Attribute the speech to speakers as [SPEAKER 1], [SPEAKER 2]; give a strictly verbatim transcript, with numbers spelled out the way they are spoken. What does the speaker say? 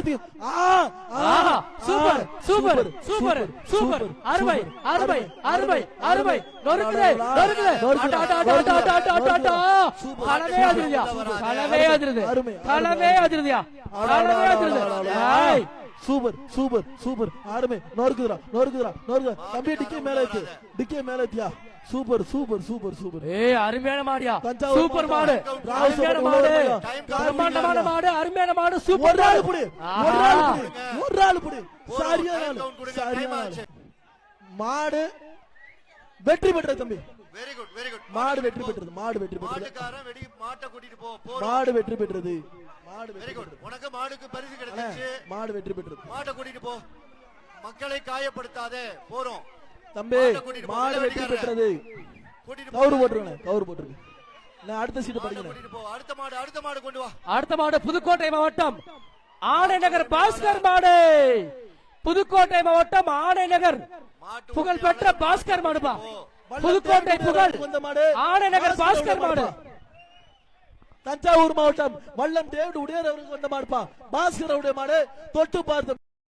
[SPEAKER 1] Karthik
[SPEAKER 2] super super super super அருமை அருமை அருமை அருமை நொறுக்குது நொறுக்குது களமே அதிருதியா களமே அதிருது களமே அதிருதியா களமே அதிருது
[SPEAKER 1] சூப்பர் சூப்பர் சூப்பர் அருமை நொறுக்குதுடா நொறுக்குதுடா நொறுக்கு தம்பி டிக்கே மேல ஏத்து டிக்கே மேல ஏத்தியா சூப்பர் சூப்பர் சூப்பர் சூப்பர்
[SPEAKER 2] ஏய் அருமையான மாடியா சூப்பர் மாடு அருமையான மாடு பிரம்மாண்டமான மாடு அருமையான மாடு சூப்பர்
[SPEAKER 1] ஒரு ஆளு புடி ஒரு ஆளு புடி ஒரு ஆளு புடி சரியான சரியான மாடு வெற்றி பெற்றது தம்பி
[SPEAKER 3] வெரி குட் வெரி குட்
[SPEAKER 1] மாடு வெற்றி பெற்றது மாடு வெற்றி பெற்றது
[SPEAKER 3] மாட்டுக்காரன் வெடி மாட்டை கூட்டிட்டு போ
[SPEAKER 1] மாடு வெற்றி பெற்றது மாடு
[SPEAKER 3] வெரி குட் உனக்கு மாடுக்கு பரிசு கிடைச்சிச்சு
[SPEAKER 1] மாடு வெற்றி பெற்றது
[SPEAKER 3] மாட்டை கூட்டிட்டு போ மக்களை காயப்படுத்தாதே போறோம்
[SPEAKER 1] தம்பி மாடு வெற்றி பெற்றது கவுரு போட்டுருங்க கவுரு போட்டுருங்க நான் அடுத்த சீட் படிக்கிறேன்
[SPEAKER 3] கூட்டிட்டு போ அடுத்த மாடு அடுத்த மாடு கொண்டு வா
[SPEAKER 2] அடுத்த மாடு புதுக்கோட்டை மாவட்டம் ஆணைநகர் பாஸ்கர் மாடு புதுக்கோட்டை மாவட்டம் ஆணைநகர் புகழ்பெற்ற பாஸ்கர் மாடுபா புதுக்கோட்டை புகழ் ஆணைநகர் பாஸ்கர் மாடு
[SPEAKER 1] தஞ்சாவூர் மாவட்டம் வல்லம் டேவிட் உடையார் அவருக்கு வந்த மாடுப்பா பாஸ்கர் உடைய மாடு தொட்டு பார்த்து